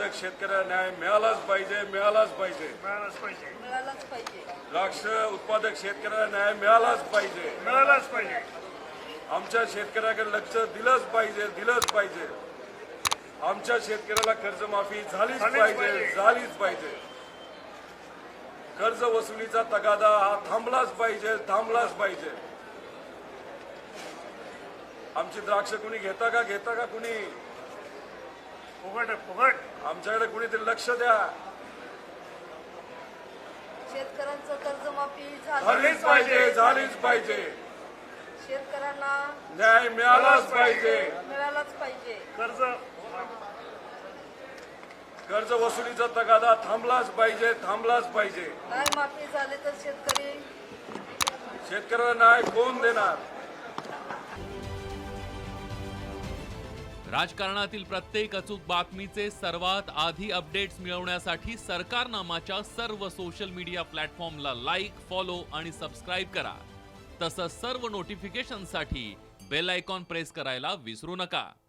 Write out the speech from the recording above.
उत्पादक शेतकऱ्याला न्याय मिळालाच पाहिजे, मिळालाच पाहिजे. मिळालाच पाहिजे. मिळालाच पाहिजे. द्राक्ष उत्पादक शेतकऱ्याला न्याय मिळालाच पाहिजे. मिळालाच पाहिजे. आमच्या शेतकऱ्याकडे लक्ष दिलंच पाहिजे, दिलंच पाहिजे. आमच्या शेतकऱ्याला कर्जमाफी झालीच पाहिजे, झालीच पाहिजे. कर्ज वसुलीचा तगादा हा थांबलाच पाहिजे, थांबलाच पाहिजे. आमची द्राक्ष कुणी घेता का कुणी? फुकट फुकट. आमच्याकडे कुणीतरी लक्ष द्या. शेतकऱ्यांचं कर्जमाफी झालीच पाहिजे, झालीच पाहिजे. शेतकऱ्यांना न्याय मिळालाच पाहिजे. मिळालाच पाहिजे. कर्ज वसुलीचा तगादा थांबलाच पाहिजे, थांबलाच पाहिजे. न्याय माफी झाली तर शेतकऱ्याला न्याय कोण देणार? राजकारणातील प्रत्येक अचूक बातमीचे सर्वात आधी अपडेट्स मिळवण्यासाठी सरकारनामाच्या सर्व सोशल मीडिया प्लॅटफॉर्मला लाईक, फॉलो आणि सबस्क्राईब करा. तसंच सर्व नोटिफिकेशनसाठी बेल आयकॉन प्रेस करायला विसरू नका.